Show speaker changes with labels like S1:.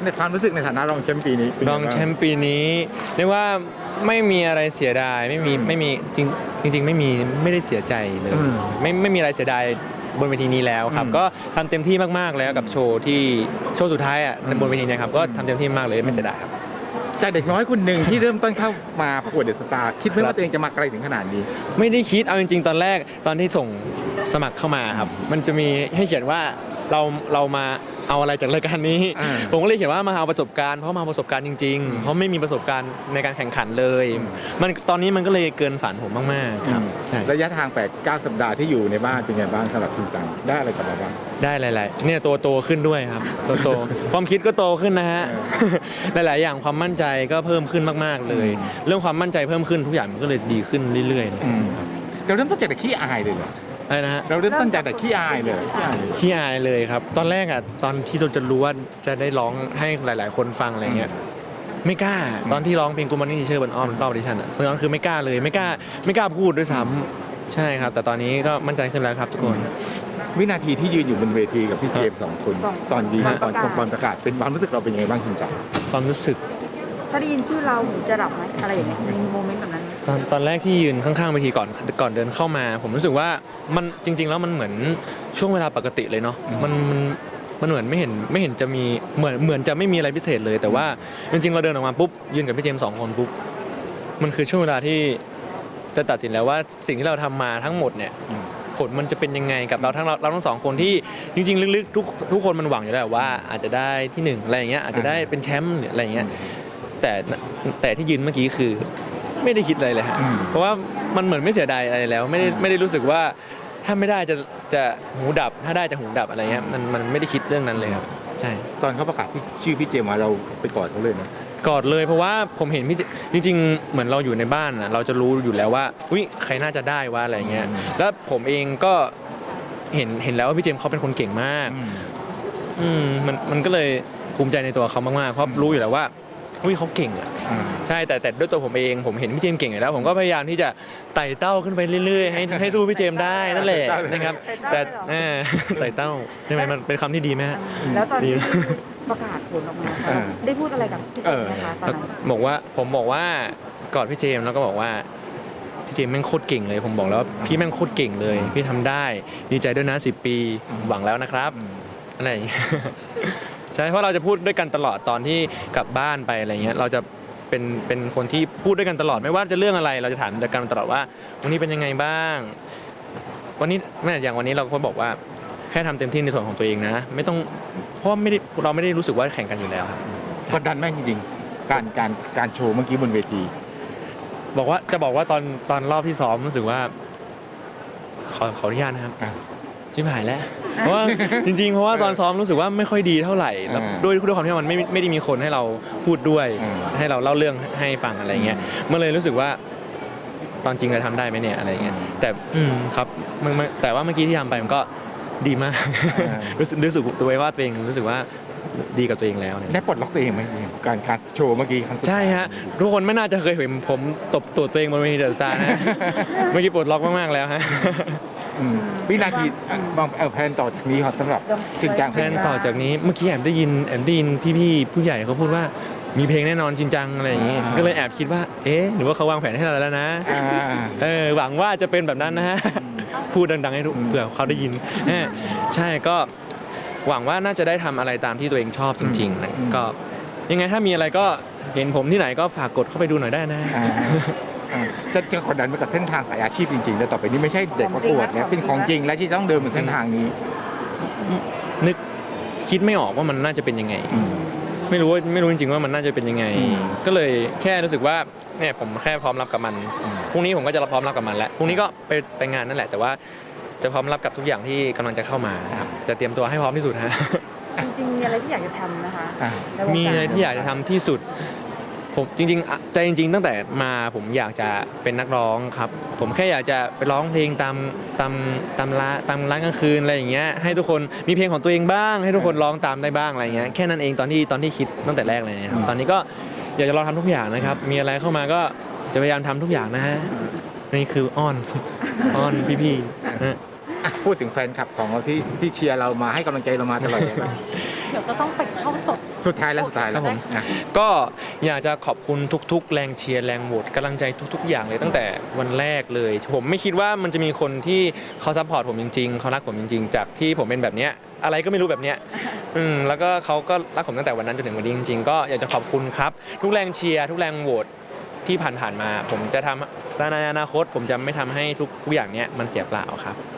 S1: ในความรู้สึกในฐานะรองแชมป์ปีนี้เป็น
S2: ร
S1: ไบ้า
S2: องแชมป์ปีนี้เรียกว่าไม่มีอะไรเสียดายไม่มีจริงไม่ได้เสียใจเลยไม่มีอะไรเสียดายบนเวทีนี้แล้วครับก็ทำเต็มที่มากๆแล้วกับโชว์สุดท้ายอ่ะบนเวทีนะครับก็ทำเต็มที่มากเลยไม่เสียดายครับ
S1: จากเด็กน้อยคนหนึ่งที่เริ่มต้นเข้ามาประกวดเดอะสตาร์คิดไหมว่าตัวเองจะมาไกลถึงขนาดนี้
S2: ไม่ได้คิดเอาจริงๆตอนแรกตอนที่ส่งสมัครเข้ามาครับมันจะมีให้เขียนว่าเรามาเอาอะไรจากรายการนี้ ผมก็เลยเขียนว่ามาเอาประสบการณ์เพราะมาเอาประสบการณ์จริงๆเพราะไม่มีประสบการณ์ในการแข่งขันเลยมันตอนนี้มันก็เลยเกินฝันผมมากๆครับใช่
S1: ระยะทาง8-9 สัปดาห์ที่อยู่ในบ้านเป็นไงบ้างสำหรับจริงจังได้อะไรกลับมาบ้าง
S2: ได้หลายๆเนี่ยโตขึ้นด้วยครับโตความคิดก็โตขึ้นนะฮะ หลายๆอย่างความมั่นใจก็เพิ่มขึ้นมากๆเลย เรื่องความมั่นใจเพิ่มขึ้นทุกอย่างมันก็เลยดีขึ้นเรื่อยๆ
S1: เราเริ่มต้นจากแต่ขี้อายเลยเหรอ
S2: อะไรนะฮะ
S1: เราเริ่มต้นจากแต่ขี้อายเลยขี้อายเลย
S2: ขี้อายเลยครับตอนแรกอ่ะตอนที่เราจะรู้ว่าจะได้ร้องให้หลายๆคนฟังอะไรเงี้ยไม่กล้าตอนที่ร้องเพลงกูมันนี่เชื่อบนอ้อมรอบดิฉันอ่ะตอนนั้นคือไม่กล้าเลยไม่กล้าพูดด้วยซ้ำใช่ครับแต่ตอนนี้ก็มั่นใจขึ้นแล้วครับทุกคน
S1: วินาทีที่ยืนอยู่บนเวทีกับพี่เจมส์สองคนตอนดีตอนประกาศเป็นความรู้สึกเราเป็นยังไงบ้างจริงจัง
S2: ความรู้สึก
S3: ถ้าได้ยินชื่อเราหูจะดับไหมอะไรอย่างเงี้ยมีโมเมนต์แบบนั้นไหม
S2: ตอนแรกที่ยืนข้างๆเวทีก่อนเดินเข้ามา ผมรู้สึกว่ามันจริงๆแล้วมันเหมือนช่วงเวลาปกติเลยเนาะมันเหมือนไม่เห็นจะมีเหมือนจะไม่มีอะไรพิเศษเลย แต่ว่าจริงๆเราเดินออกมาปุ๊บยืนกับพี่เจมส์สองคนปุ๊บมันคือช่วงเวลาที่จะตัดสินแล้วว่าสิ่งที่เราทำมาทั้งหมดเนี่ยผลมันจะเป็นยังไงกับเราทั้งสองคนที่จริงๆลึกๆทุกคนมันหวังอยู่แล้วว่าอาจจะได้ที่หนึ่งอะไรอย่างเงี้ยอาจจะได้เป็นแชมป์หรืออะไรอย่างเงี้ยแต่ที่ยืนเมื่อกี้คือไม่ได้คิดอะไรเลยฮะเพราะว่ามันเหมือนไม่เสียดายอะไรแล้วไม่ได้รู้สึกว่าถ้าไม่ได้จะหูดับถ้าได้จะหูดับอะไรเงี้ยมันไม่ได้คิดเรื่องนั้นเลยครับใช่
S1: ตอนเขาประกาศชื่อพี่เจมส์มาเราไปกอดเขาเลยนะ
S2: กอดเลยเพราะว่าผมเห็นพี่จริงๆเหมือนเราอยู่ในบ้านอะเราจะรู้อยู่แล้วว่าอุ้ยใครน่าจะได้ว่าอะไรเงี้ยแล้วผมเองก็เห็นแล้วว่าพี่เจมส์เขาเป็นคนเก่งมากมันก็เลยภูมิใจในตัวเขามากๆเพราะรู้อยู่แล้วว่าอุ้ยเขาเก่งอ่ะใช่แต่ด้วยตัวผมเองผมเห็นพี่เจมส์เก่งอยู่แล้วผมก็พยายามที่จะไต่เต้าขึ้นไปเรื่อยๆให้สู้พี่เจมส์ได้นั่นแหละนะครับแต่ไต่เต้าใช่ไหมมันเป็นคำที่ดีไหมฮะ
S3: แล้วตอนที่ประกาศผลออกมาได้พูดอะไรกับพี่เจมส์ไหมคะตอนนั้น
S2: ผมบอกว่ากอดพี่เจมส์แล้วก็บอกว่าพี่เจมส์แม่งโคตรเก่งเลยผมบอกแล้วว่าพี่แม่งโคตรเก่งเลยพี่ทำได้ดีใจด้วยนะ10 ปีหวังแล้วนะครับอะไรอย่างเงี้ย ใช่เพราะเราจะพูดด้วยกันตลอดตอนที่กลับบ้านไปอะไรเงี้ยเราจะเป็นคนที่พูดด้วยกันตลอดไม่ว่าจะเรื่องอะไรเราจะถามกันตลอดว่าวันนี้เป็นยังไงบ้างวันนี้แม้อย่างวันนี้เราก็บอกว่าแค่ทำเต็มที่ในส่วนของตัวเองนะไม่ต้องเพราะเราไม่ได้รู้สึกว่าแข่งกันอยู่แล้วครับ
S1: กดดันไหมจริงๆการโชว์เมื่อกี้บนเวที
S2: บอกว่าตอนรอบที่ซ้อมรู้สึกว่าขออนุญาตนะครับชิบหายแล้วเพราะว่าจริงๆเพราะว่าตอนซ้อมรู้สึกว่าไม่ค่อยดีเท่าไหร่แล้วด้วยความที่มันไม่ได้มีคนให้เราพูดด้วยให้เราเล่าเรื่องให้ฟังอะไรเงี้ยมันเลยรู้สึกว่าตอนจริงเราทำได้ไหมเนี่ยอะไรเงี้ยแต่ครับแต่ว่าเมื่อกี้ที่ทำไปมันก็ดีมาก รู้สึกตัวเองว่าตัวเองรู้สึกว่าดีกับตัวเองแล้วเนี่ย
S1: ได้ปลดล็อกตัวเองไหมการโชว์เมื่อกี้ครั้งสุดท้าย
S2: ใช่ฮะทุกคนไม่น่าจะเคยเห็นผมตบตัวตัวเองบนเวทีเดอะสตาร์นะ เมื่อกี้ปลดล็อกมากๆแล้วฮะ
S1: วินาทีมองแพลนต่อจากนี้ครับสำหรับชินจัง
S2: แพลนต่อจากนี้เมื่อกี้แอบได้ยินพี่ผู้ใหญ่เขาพูดว่ามีเพลงแน่นอนจริงจังอะไรอย่างงี้ก็เลยแอบคิดว่าเอ๊ะหรือว่าเขาวางแผนให้เราแล้วนะหวังว่าจะเป็นแบบนั้นนะฮะพูดดังๆให้ทุกเผื่อเขาได้ยินใช่ก็หวังว่าน่าจะได้ทำอะไรตามที่ตัวเองชอบจริงๆนะก็ยังไงถ้ามีอะไรก็เห็นผมที่ไหนก็ฝากกดเข้าไปดูหน่อยได้นะ
S1: จะกดดันไปกับเส้นทางสายอาชีพจริงๆแต่ต่อไปนี้ไม่ใช่เด็กประกวดเนี่ยเป็นของจริงและที่ต้องเดินบนเส้นทางนี้
S2: นึกคิดไม่ออกว่ามันน่าจะเป็นยังไงไม่รู้จริงๆว่ามันน่าจะเป็นยังไงก็เลยแค่รู้สึกว่าเนี่ยผมแค่พร้อมรับกับมันพรุ่งนี้ผมก็จะพร้อมรับกับมันแล้วพรุ่งนี้ก็ไปงานนั่นแหละแต่ว่าจะพร้อมรับกับทุกอย่างที่กำลังจะเข้ามาจะเตรียมตัวให้พร้อมที่สุดฮะ
S3: จริงๆมีอะไรที่อยากจะทำนะคะ
S2: มีอะไรที่อยากจะทำที่สุดผมจริงๆใจจริงๆตั้งแต่มาผมอยากจะเป็นนักร้องครับผมแค่อยากจะไปร้องเพลงตามร้านกลางคืนอะไรอย่างเงี้ยให้ทุกคนมีเพลงของตัวเองบ้างให้ทุกคนร้องตามได้บ้างอะไรเงี้ยแค่นั้นเองตอนที่คิดตั้งแต่แรกเลยนะครับตอนนี้ก็อยากจะลองทำทุกอย่างนะครับมีอะไรเข้ามาก็จะพยายามทำทุกอย่างนะฮะนี่คืออ้อนพี่ๆ
S1: พูดถึงแฟนคลับของเราที่เชียร์เรามาให้กำลังใจเรามาตลอดเลย
S3: เดี๋ยวจะต้องไปเข้าสด
S1: สุดท้ายแล้ว
S2: ครับผม
S1: นะ
S2: ก็อยากจะขอบคุณทุกๆ แรงเชียร์แรงโหวตกำลังใจทุกๆ อย่างเลยตั้งแต่วันแรกเลย ผมไม่คิดว่ามันจะมีคนที่เขาซัพพอร์ตผมจริงๆเขารักผมจริงๆ จากที่ผมเป็นแบบเนี้ยอะไรก็ไม่รู้แบบเนี้ยแล้วก็เขาก็รักผมตั้งแต่วันนั้นจนถึงวันนี้จริงๆก็อยากจะขอบคุณครับทุกแรงเชียร์ทุกแรงโหวตที่ผ่านๆมา ผมจะทำในอนาคตผมจะไม่ทำให้ทุกอย่างเนี้ยมันเสียเปล่าครับ